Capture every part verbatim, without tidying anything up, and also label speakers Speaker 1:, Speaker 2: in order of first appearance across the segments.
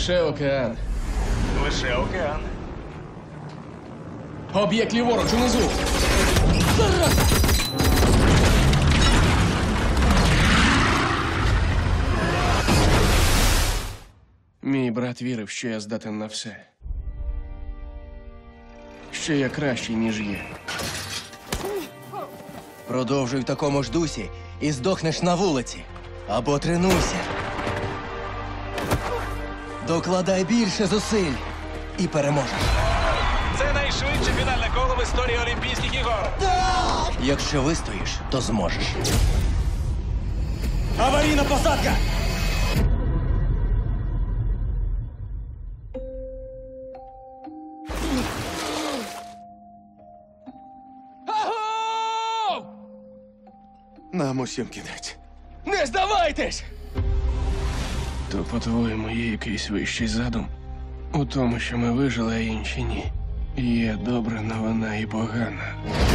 Speaker 1: Лише океан.
Speaker 2: Лише океан.
Speaker 1: Об'єкт ліворуч, унизу. Мій брат вірив, що я здатен на все. Що я кращий, ніж є.
Speaker 3: Продовжуй в такому ж дусі і здохнеш на вулиці. Або тренуйся. Докладай більше зусиль і переможеш.
Speaker 2: Це найшвидше фінальне коло в історії Олімпійських ігор.
Speaker 3: Якщо вистоїш, то зможеш.
Speaker 4: Аварійна посадка!
Speaker 1: Агов!
Speaker 4: Нам усім кінець.
Speaker 1: Не здавайтесь! То, по-твоєму, є якийсь вищий задум? У тому, що ми вижили, а інші ні. Є добра новина і погана.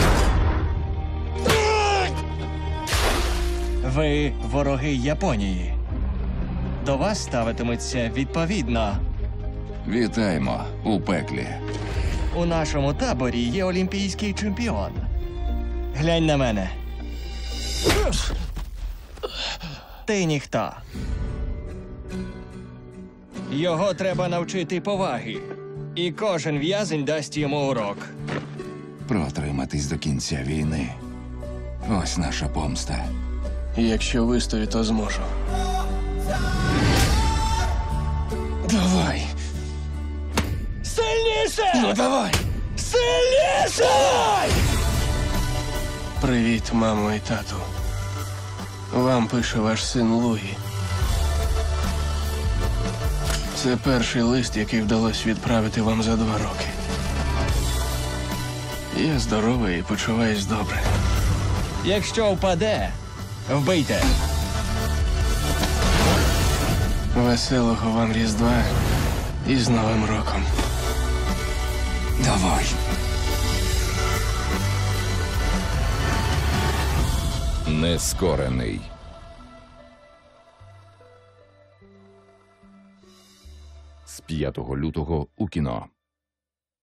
Speaker 5: Ви вороги Японії. До вас ставитиметься відповідно.
Speaker 6: Вітаємо у пеклі.
Speaker 5: У нашому таборі є олімпійський чемпіон. Глянь на мене. Ти ніхто. Його треба навчити поваги. І кожен в'язень дасть йому урок.
Speaker 6: Протриматись до кінця війни. Ось наша помста.
Speaker 1: Якщо вистою, то зможу. Давай!
Speaker 5: Сильніше!
Speaker 1: Ну давай!
Speaker 5: Сильніше!
Speaker 1: Привіт, мамо і тату. Вам пише ваш син Луї. Це перший лист, який вдалося відправити вам за два роки. Я здоровий і почуваюсь добре.
Speaker 5: Якщо впаде, вбийте.
Speaker 1: Веселого вам Різдва і з Новим роком.
Speaker 6: Давай. Нескорений. З п'ятого лютого у кіно.